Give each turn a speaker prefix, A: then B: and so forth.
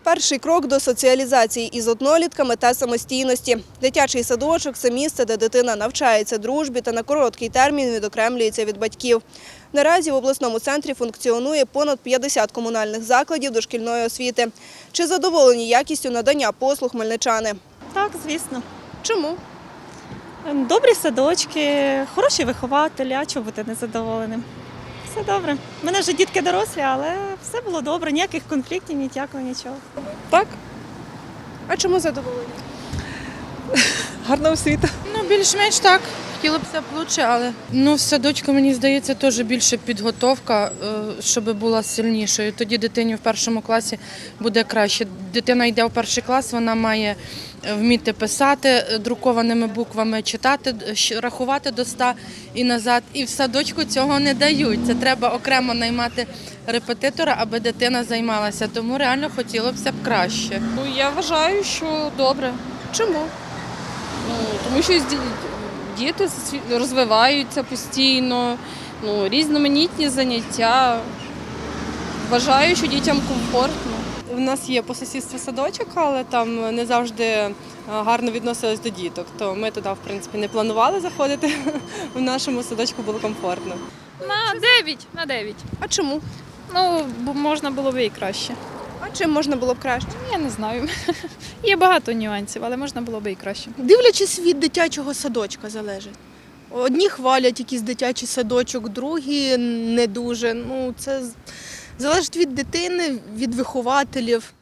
A: Перший крок до соціалізації із однолітками та самостійності. Дитячий садочок – це місце, де дитина навчається дружбі та на короткий термін відокремлюється від батьків. Наразі в обласному центрі функціонує понад 50 комунальних закладів дошкільної освіти. Чи задоволені якістю надання послуг хмельничани?
B: Так, звісно.
A: Чому?
B: Добрі садочки, хороші вихователі, а чого бути незадоволеним? Все добре. У мене вже дітки дорослі, але все було добре, ніяких конфліктів, ніякого нічого.
C: Так,
A: А чому задоволені?
C: гарна освіта.
D: Ну, більш-менш так. Хотілося б краще, але в садочку, мені здається, теж більше підготовка, щоб була сильнішою. Тоді дитині в першому класі буде краще. Дитина йде в перший клас, вона має вміти писати друкованими буквами, читати, рахувати до 100 і назад. І в садочку цього не дають. Це треба окремо наймати репетитора, аби дитина займалася. Тому реально хотілося б краще.
C: Я вважаю, що добре.
A: Чому?
C: Тому що діти розвиваються постійно, різноманітні заняття. Вважаю, що дітям комфортно.
E: У нас є по сусідству садочок, але там не завжди гарно відносились до діток. То ми туди, в принципі, не планували заходити. В нашому садочку було комфортно.
F: На 9.
A: А чому?
F: Бо можна було б і краще.
A: А чим можна було б краще?
F: Я не знаю. Є багато нюансів, але можна було б і краще.
G: Дивлячись від дитячого садочка залежить. Одні хвалять якийсь дитячий садочок, другі не дуже. Це залежить від дитини, від вихователів.